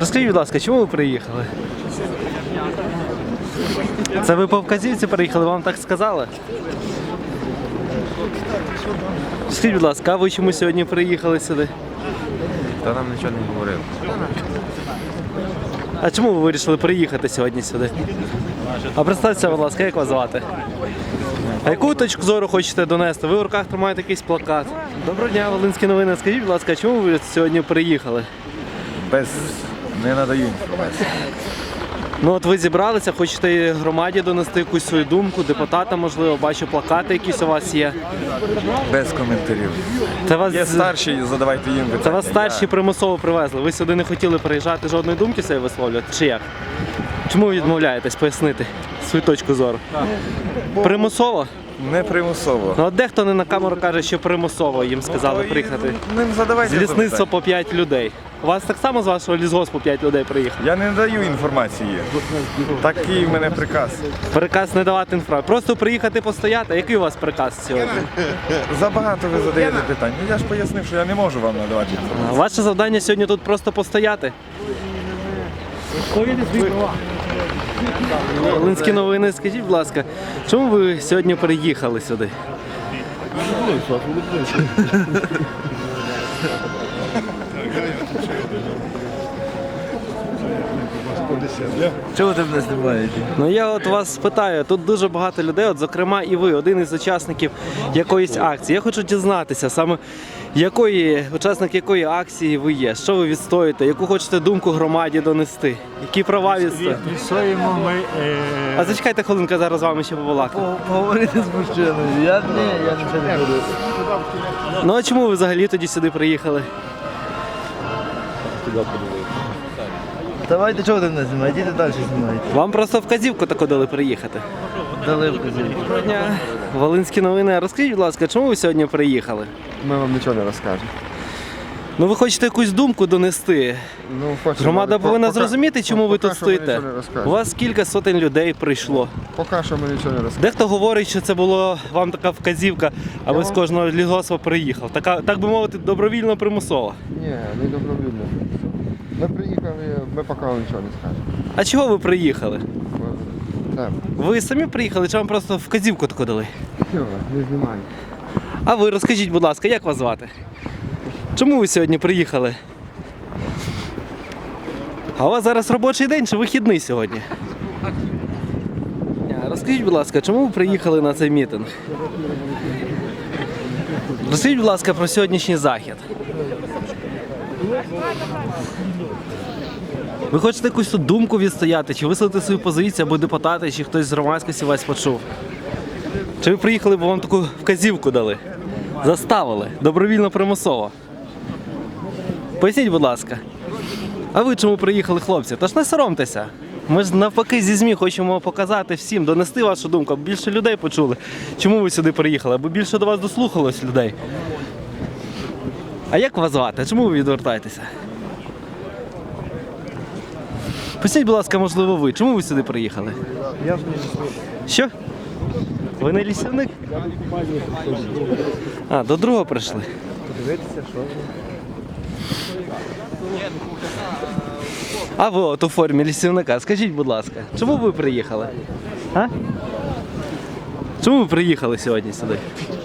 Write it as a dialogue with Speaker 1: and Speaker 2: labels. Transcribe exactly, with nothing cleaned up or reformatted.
Speaker 1: Розкажіть, будь ласка, чому ви приїхали? Це ви по вказівці приїхали, вам так сказали? Скажіть, будь ласка, а ви чому сьогодні приїхали сюди?
Speaker 2: Та нам нічого не говорили.
Speaker 1: А чому ви вирішили приїхати сьогодні сюди? А представтеся, будь ласка, як вас звати? А яку точку зору хочете донести? Ви в руках тримаєте якийсь плакат. Доброго дня, Волинські новини. Скажіть, будь ласка, чому ви сьогодні приїхали?
Speaker 2: Без... не надаю інформації.
Speaker 1: Ну от ви зібралися, хочете громаді донести якусь свою думку, депутата, можливо, бачу, плакати якісь у вас є.
Speaker 2: Без коментарів.
Speaker 1: Це вас,
Speaker 2: Є старші, задавайте їм питання.
Speaker 1: це вас старші примусово привезли. Ви сюди не хотіли приїжджати, жодної думки собі висловлювати? Чи як? Чому ви відмовляєтесь пояснити свою точку зору? Примусово?
Speaker 2: Не примусово.
Speaker 1: Ну от дехто не на камеру каже, що примусово їм сказали приїхати.
Speaker 2: Ним задавайте
Speaker 1: З лісництва
Speaker 2: запитання.
Speaker 1: по п'ять людей. У вас так само з вашого лісгоспу п'ять людей приїхало?
Speaker 2: Я не даю інформації. Такий в мене приказ.
Speaker 1: Приказ не давати інформацію. Просто приїхати постояти. Який у вас приказ сьогодні?
Speaker 2: Забагато ви задаєте питань. Ну, я ж пояснив, що я не можу вам надавати інформацію.
Speaker 1: Ваше завдання сьогодні тут просто постояти. Волинські новини, скажіть, будь ласка, чому ви сьогодні приїхали сюди?
Speaker 2: Чого ти мене знімаєш?
Speaker 1: Ну я от вас питаю, тут дуже багато людей, от зокрема і ви, один із учасників якоїсь акції. Я хочу дізнатися саме, якої, учасник якої акції ви є, що ви відстоюєте, яку хочете думку громаді донести, які права відстоюєте.
Speaker 3: Відстоїмо ми... Е...
Speaker 1: А зачекайте хвилинку, зараз з вами ще побалакаю.
Speaker 3: Поговорити з мужчиною. Я ні, я нічого не буду.
Speaker 1: Ну а чому ви взагалі тоді сюди приїхали?
Speaker 3: Давайте, чого ти не знімаєте? Йдіть далі знімайте.
Speaker 1: Вам просто вказівку таку дали приїхати.
Speaker 3: Дали вказівку.
Speaker 1: Доброго дня, Волинські новини. Розкажіть, будь ласка, чому ви сьогодні приїхали?
Speaker 4: Ми вам нічого не розкажемо.
Speaker 1: Ну ви хочете якусь думку донести.
Speaker 4: Ну, хочемо,
Speaker 1: Громада
Speaker 4: але
Speaker 1: повинна
Speaker 4: поки-
Speaker 1: зрозуміти, чому ви
Speaker 4: поки
Speaker 1: тут
Speaker 4: що ми
Speaker 1: стоїте.
Speaker 4: нічого не розкажемо.
Speaker 1: У вас кілька сотень людей прийшло.
Speaker 4: Поки що ми нічого не розкажемо.
Speaker 1: Дехто говорить, що це була вам така вказівка, аби з кожного лісгоспа приїхав. Така, так би мовити, добровільно примусово.
Speaker 4: Ні, не добровільно. Ми приїхали, ми поки вам нічого не скажемо.
Speaker 1: А чого ви приїхали?
Speaker 4: Бо- Так,
Speaker 1: Ви самі приїхали, чи вам просто вказівку таку дали?
Speaker 4: все, не знімаємо.
Speaker 1: А ви розкажіть, будь ласка, як вас звати? Чому ви сьогодні приїхали? А у вас зараз робочий день чи вихідний сьогодні? А, Розкажіть, будь ласка, чому ви приїхали на цей мітинг? Розкажіть, будь ласка, про сьогоднішній захід. Ви хочете якусь тут думку відстояти, чи висловити свою позицію, або депутати, чи хтось з громадськості вас почув? Чи ви приїхали, бо вам таку вказівку дали? Заставили, добровільно примусово. Поясніть, будь ласка. А ви чому приїхали, хлопці? Тож не соромтеся. Ми ж навпаки зі ЗМІ хочемо показати всім, донести вашу думку, аби більше людей почули. Чому ви сюди приїхали? Аби більше до вас дослухалось людей. А як вас звати? Чому ви відвертаєтеся? Поясніть, будь ласка, можливо, ви. Чому ви сюди приїхали?
Speaker 3: Я ж не лісник.
Speaker 1: Що? Ви не лісівник? А, до другого прийшли.
Speaker 3: Подивитися, що.
Speaker 1: А ви от у формі лісівника, скажіть, будь ласка, чому ви приїхали? А? Чому ви приїхали сьогодні сюди?